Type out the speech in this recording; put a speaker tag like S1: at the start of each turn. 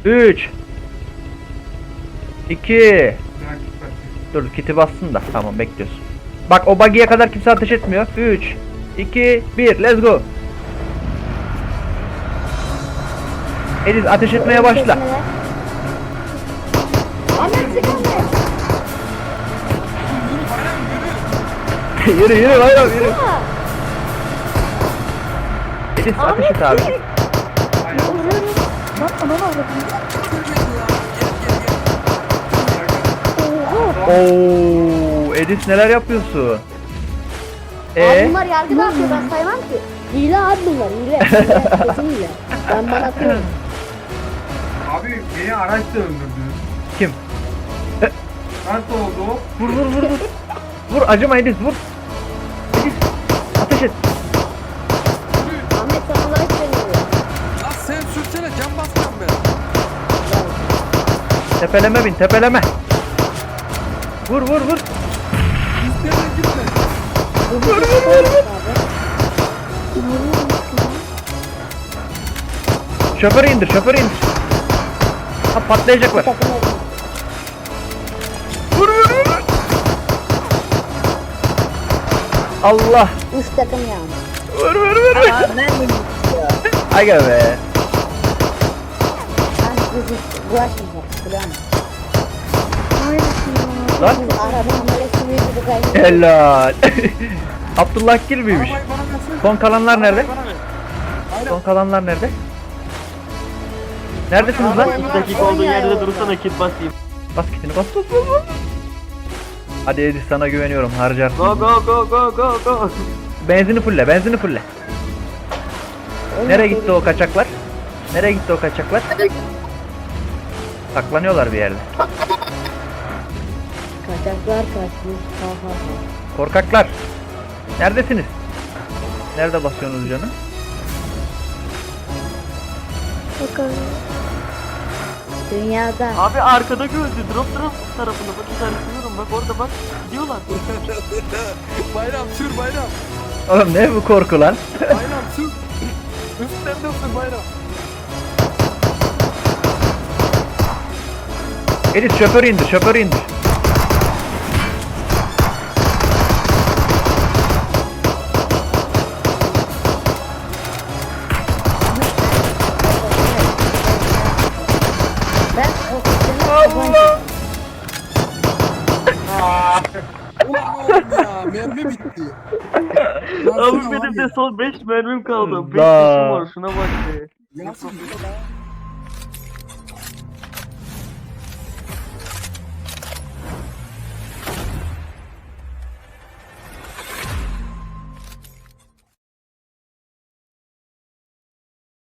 S1: 3 2 Dur kiti bassın da. Tamam bekliyoruz. Bak o buggy'ye kadar kimse ateş etmiyor. 3 2 1 let's go. Ediz ateş etmeye başla.
S2: Ahmet sıkıldı.
S1: Yürü yürü bayram yürü. Ediz ateş et abi.
S2: Bak ana avradım.
S1: Oo, Edis neler yapıyorsun?
S2: Abi bunlar yargı da yapıyor ben saymam ki. Hile abi bunlar hile. Kesin hile. Ben bana atıyorum.
S3: Abi beni araçla öldürdü.
S1: Kim?
S3: Nasıl oldu o?
S1: Vur vur vur vur. Vur acıma Edis vur. Edis ateş et.
S2: Ahmet sana like veriyor.
S4: Lan sen sürsene can basacağım ben.
S1: Tepeleme bin tepeleme. Vur vur vur.
S4: İsteme gitme.
S1: Şoförü indir şoförü indir. Ha patlayacaklar. Vur vur vur. Allah.
S2: 3 takım yani.
S1: Vur vur vur. Aga be.
S2: Ben bizi bulaşmayacak. Biliyor musun?
S1: Lan.
S2: Biz arabanın böyle sürüyordu kaybettik.
S1: Helal. Abdullah Gil miymiş?
S4: Arabayı bana versene.
S1: Son kalanlar nerede?
S4: Arabayı bana ver. Aynen.
S1: Son kalanlar nerede? Neredesiniz lan?
S5: 2 dakika olduğu yerde dursana kit basayım.
S1: Bas kitini bas bas bas bas. Hadi Edis sana güveniyorum harcarsın.
S5: Go go go go go go.
S1: Benzini fulle benzini fulle. Nereye gitti o kaçaklar? Nereye gitti o kaçaklar? Saklanıyorlar bir yerde.
S2: Kaçaklar kaçmış. Ha ha ha.
S1: Korkaklar. Neredesiniz? Nerede basıyorsunuz canım?
S2: Dünyada.
S5: Abi arkada gördü. Drop tarafında bak işaretliyorum bak orada bak gidiyorlar.
S4: Bayram sür bayram.
S1: Oğlum ne bu korku lan?
S4: Bayram sür. Üstten de sür bayram.
S1: Edis şoförü indir şoförü indir.
S2: Ben
S1: Allah!
S4: Ulan oğlum ya mermi bitti.
S5: Abi benim de son 5 mermim kaldı. 5
S1: Allah.
S5: yaşım var şuna bak be.
S4: Nasıl?